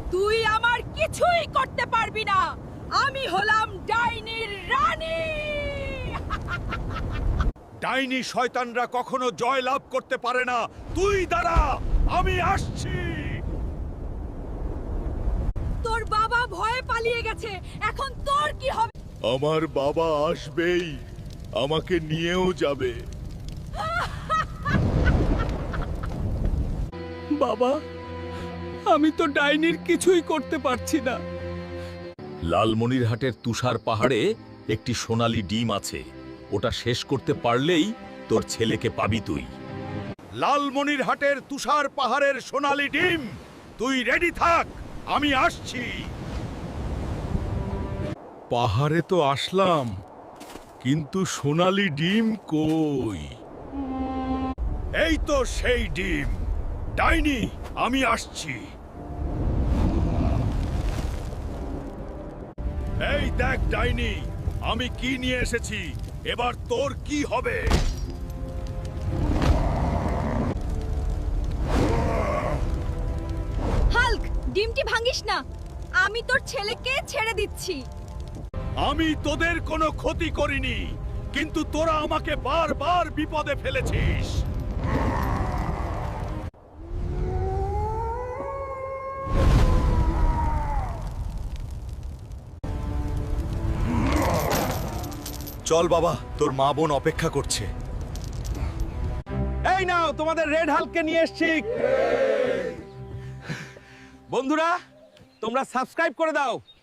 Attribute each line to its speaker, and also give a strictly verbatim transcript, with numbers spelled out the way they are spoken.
Speaker 1: তুই আমার কিছুই করতে পারবি না। আমি হলাম ডাইনির রানী।
Speaker 2: ডাইনি শয়তানরা কখনো জয় লাভ করতে পারে না। তুই দাঁড়া, আমি আসছি।
Speaker 1: তোর বাবা ভয়ে পালিয়ে গেছে, এখন তোর কি হবে?
Speaker 2: আমার বাবা আসবেই, আমাকে নিয়েও যাবে।
Speaker 3: বাবা, আমি তো ডাইনির কিছুই করতে পারছি না।
Speaker 4: লালমনিরহাটের তুষার পাহাড়ে একটি সোনালী ডিম আছে, ওটা শেষ করতে পারলেই তোর ছেলেকে পাবি তুই।
Speaker 2: লালমনিরহাটের তুষার পাহাড়ের সোনালী ডিম, তুই রেডি থাক, আমি আসছি। পাহাড়ে তো আসলাম, কিন্তু সোনালী ডিম কই? এই তো সেই ডিম। ডাইনি, আমি আসছি। এই দেখ ডাইনি, আমি কি নিয়ে এসেছি, এবার তোর কি হবে?
Speaker 1: হাল্ক, ডিমটি ভাঙিস না। আমি তোর ছেলেকে ছেড়ে দিচ্ছি।
Speaker 2: আমি তোদের কোনো ক্ষতি করিনি, কিন্তু তোরা আমাকে বারবার বিপদে ফেলেছিস। চল বাবা, তোর মা বোন অপেক্ষা করছে।
Speaker 3: এই নাও, তোমাদের রেড হাল্ককে নিয়ে এসেছি। বন্ধুরা, তোমরা সাবস্ক্রাইব করে দাও।